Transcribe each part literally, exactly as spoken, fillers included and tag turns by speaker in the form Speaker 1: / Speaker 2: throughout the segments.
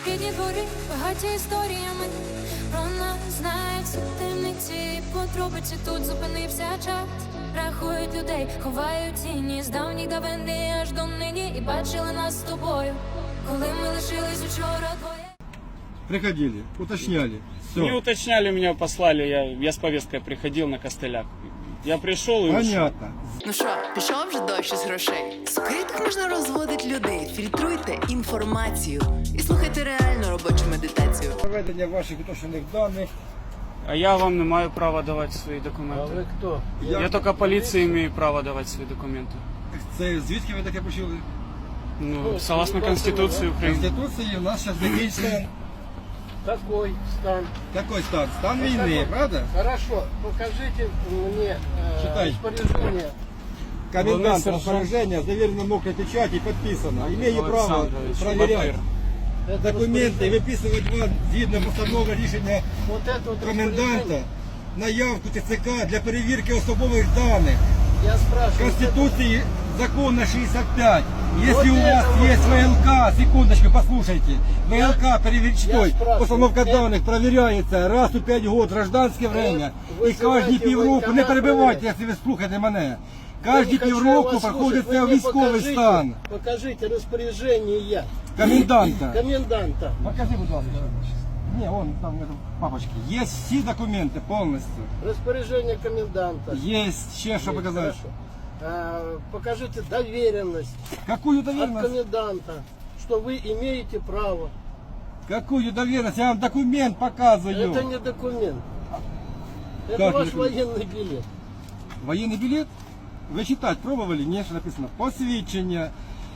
Speaker 1: рідні двори, багаті історіями. Про нас знають всі темниці, подробиці тут зупинився час. Рахують людей, ховають тіні з давніх давини аж до нині. І бачили нас з тобою, коли ми лишились учора двоє.
Speaker 2: Приходили, уточняли. Все.
Speaker 3: Не уточняли, меня послали, я, я с повесткой приходил на костылях. Я пришел и ушел.
Speaker 2: Понятно.
Speaker 4: Ну що, пішов вже дощ із грошей? В скритках можна розводити людей. Фільтруйте інформацію і слухайте реальну робочу медитацію.
Speaker 2: Проведення ваших уточнених даних.
Speaker 3: А я вам не маю права давать свои
Speaker 5: А
Speaker 3: документы.
Speaker 5: ви хто?
Speaker 3: Я, я только полиции имею право давать свои документы.
Speaker 2: Це звідки ви таке почули?
Speaker 3: Ну, согласно Конституции
Speaker 2: В
Speaker 3: Украины.
Speaker 2: Конституції у нас зараз закінчиться
Speaker 5: Какой стан?
Speaker 2: такий стан. Стан війни, правда?
Speaker 5: Хорошо, покажите мне э,
Speaker 2: Читай.
Speaker 5: распоряжение.
Speaker 2: Комендант
Speaker 3: Главный сержант.
Speaker 2: распоряжения, заверено мокрой печати, подписано. Имею право
Speaker 3: Александрович
Speaker 2: проверять
Speaker 3: Батыр.
Speaker 5: Это
Speaker 2: документи і
Speaker 5: распоряжение.
Speaker 2: виписувати вам згідно постанови рішення
Speaker 5: Вот это вот
Speaker 2: коменданта
Speaker 5: распоряжение.
Speaker 2: на явку ТЦК для перевірки особових даних.
Speaker 5: Я
Speaker 2: В
Speaker 5: спрашиваю.
Speaker 2: Конституции закона шестьдесят пять. Если
Speaker 5: Вот
Speaker 2: у вас
Speaker 5: это вот.
Speaker 2: есть ВЛК, секундочку, послушайте. ВЛК, перевірчтой,
Speaker 5: спрашиваю,
Speaker 2: постановка
Speaker 5: это-
Speaker 2: данных проверяется раз у пять год, гражданське время.
Speaker 5: ви
Speaker 2: І кожні
Speaker 5: знаєте,
Speaker 2: півроку,
Speaker 5: воєнкомат
Speaker 2: не перебивайте,
Speaker 5: перевіряє.
Speaker 2: якщо ви слухаєте мене.
Speaker 5: Я
Speaker 2: Кожні
Speaker 5: не хочу
Speaker 2: півроку
Speaker 5: вас
Speaker 2: проходить
Speaker 5: слушать, вы
Speaker 2: це
Speaker 5: мне
Speaker 2: військовий
Speaker 5: покажите-
Speaker 2: стан.
Speaker 5: Покажите распоряжение
Speaker 2: Коменданта.
Speaker 5: коменданта.
Speaker 2: Покажи, будь ласка. Не, вон там в этом папочке. Есть всі документи повністю.
Speaker 5: Распоряжение коменданта.
Speaker 2: Есть ще що
Speaker 5: Есть,
Speaker 2: показати.
Speaker 5: хорошо. А, покажите доверенность
Speaker 2: Какую
Speaker 5: от
Speaker 2: доверенность?
Speaker 5: коменданта, что вы имеете право.
Speaker 2: Какую доверенность? Я вам документ показываю.
Speaker 5: Это не документ. Это
Speaker 2: Как
Speaker 5: ваш
Speaker 2: не документ?
Speaker 5: военный билет.
Speaker 2: Воєнний білет? Ви читати пробували? Ні, що написано. Посвідчення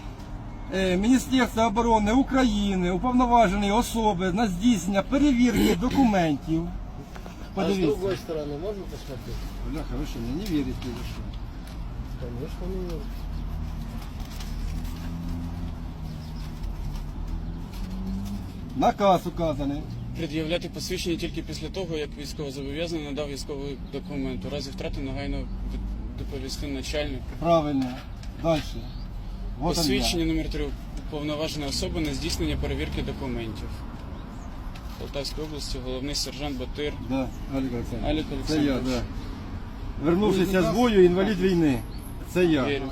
Speaker 2: е, Міністерства оборони України, уповноваженої особи на здійснення перевірки документів.
Speaker 5: А с
Speaker 2: Подивіться.
Speaker 5: другой стороны можно посмотреть?
Speaker 2: Бляха, ви що, мені не вірите? Ви що?
Speaker 5: Конечно, не верю.
Speaker 2: Наказ указаний.
Speaker 3: Пред'являти посвідчення тільки після того, як військовозобов'язаний надав військовий документ. У разі втрати негайно від- доповісти начальнику.
Speaker 2: Правильно. Далі. Вот он я.
Speaker 3: Посвідчення номер три. Уповноважена особа на здійснення перевірки документів. Полтавської області головний сержант Батир.
Speaker 2: Да, Олег Олександрович.
Speaker 3: Олег
Speaker 2: Це я,
Speaker 3: Олександрович.
Speaker 2: да. Вернувшися з бою, інвалід війни. Це я.
Speaker 3: Вірю.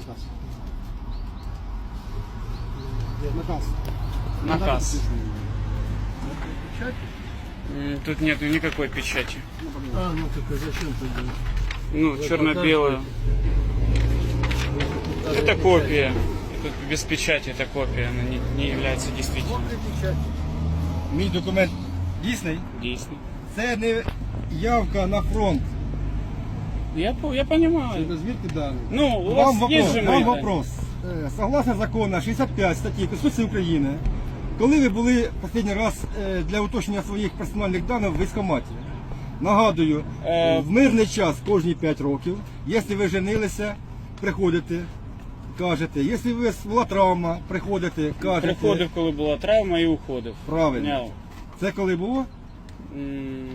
Speaker 2: Наказ.
Speaker 3: Наказ. М, Тут нету никакой печати.
Speaker 5: А, ну так а зачем тогда?
Speaker 3: Ну,
Speaker 5: Вы
Speaker 3: черно-белая.
Speaker 5: показываете?
Speaker 3: Это копия. Тут без печати это копия, она не, не является действительной.
Speaker 5: Вот и печать.
Speaker 2: Мій документ дійсний.
Speaker 3: Действительно.
Speaker 2: Це не явка на фронт.
Speaker 3: Я, по- я понимаю.
Speaker 2: Звідки дані?
Speaker 3: Ну, у
Speaker 2: Вам
Speaker 3: вас есть
Speaker 2: вопрос,
Speaker 3: же
Speaker 2: вам
Speaker 3: мои данные?
Speaker 2: вопрос. Е, Согласно закону шістдесят п'ять статті Конституції України, коли ви були останній раз е, для уточнення своїх персональних даних в військкоматі? Нагадую,
Speaker 3: Е,
Speaker 2: в мирний час кожні п'ять років, якщо ви женилися, приходите, кажете. Якщо у вас була травма, приходите, кажете.
Speaker 3: Приходив, коли була травма, і уходив.
Speaker 2: Правильно.
Speaker 3: Я,
Speaker 2: Це коли було?
Speaker 3: м,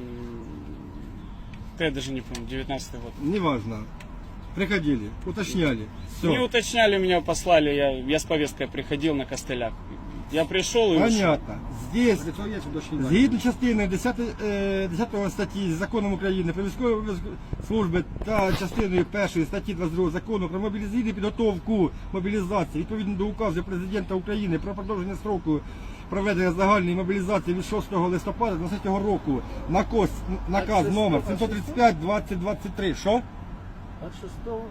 Speaker 3: я даже не помню, девятнадцатый год.
Speaker 2: Неважно. Приходили, уточняли. Все.
Speaker 3: Не уточняли, меня послали, я, я с повесткой приходил на костылях. Я пришел и ушел.
Speaker 2: Понятно. Здесь, згідно частини десятої, е, десятої статті Законом України про військові обов'язки служби та частиною першої статті двадцять другого Закону про мобілізаційну підготовку мобілізації, відповідно до указу Президента України про продовження строку проведення загальної мобілізації від шостого листопада двадцятого року, наказ, наказ номер сімсот тридцять п'ять двадцять двадцять три. Що?
Speaker 5: От шестого.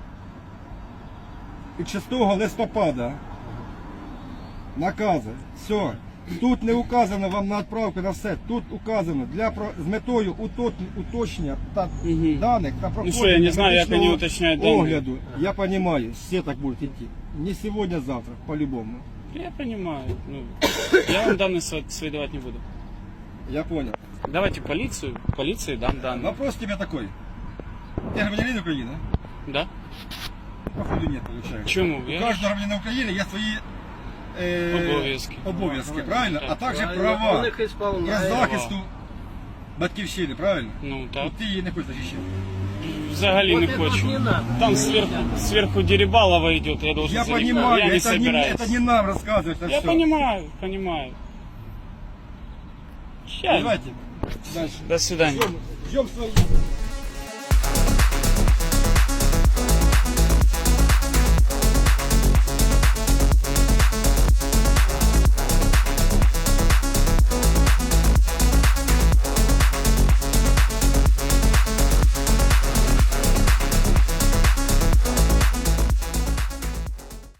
Speaker 2: Від шостого листопада. Накази. Все. Тут не указано вам на відправку на все. Тут указано для про- з метою утот- уточнення та
Speaker 3: Мгм.
Speaker 2: даних та проходження
Speaker 3: что, я не знаю, як
Speaker 2: медичного
Speaker 3: вони уточняють дані.
Speaker 2: огляду. Я понимаю, все так будут идти. Не сегодня, завтра, по-любому.
Speaker 3: Я понимаю. Ну, я вам данные сва- свои давать не буду.
Speaker 2: Я понял.
Speaker 3: Давайте полицию, полиции дам данные.
Speaker 2: Вопрос тебе такой. Ты гражданин Украины?
Speaker 3: Да?
Speaker 2: Походу нет, получается.
Speaker 3: Чему?
Speaker 2: У
Speaker 3: Я-
Speaker 2: каждого гражданина Украины есть свои е,
Speaker 3: Обов'язки.
Speaker 2: обов'язки, правильно? А також
Speaker 5: Правильно,
Speaker 2: права
Speaker 5: он их исполняет.
Speaker 2: для захисту батьківщини, правильно?
Speaker 3: Ну так.
Speaker 2: Ну, ти її не хочеш захищати.
Speaker 3: Взагалі
Speaker 5: Вот
Speaker 3: не
Speaker 5: это вот
Speaker 3: хочу.
Speaker 5: не надо.
Speaker 3: Там
Speaker 5: Не
Speaker 3: сверху,
Speaker 5: надо.
Speaker 3: сверху Дерибалова идет, я должен
Speaker 2: Я
Speaker 3: за них-
Speaker 2: понимаю,
Speaker 3: я не
Speaker 2: это, не,
Speaker 3: собираюсь.
Speaker 2: это не нам рассказывать это
Speaker 3: Я
Speaker 2: все.
Speaker 3: понимаю, понимаю. Ща.
Speaker 2: Давайте. Дальше.
Speaker 3: До свидания.
Speaker 2: Ждем, ждем своих.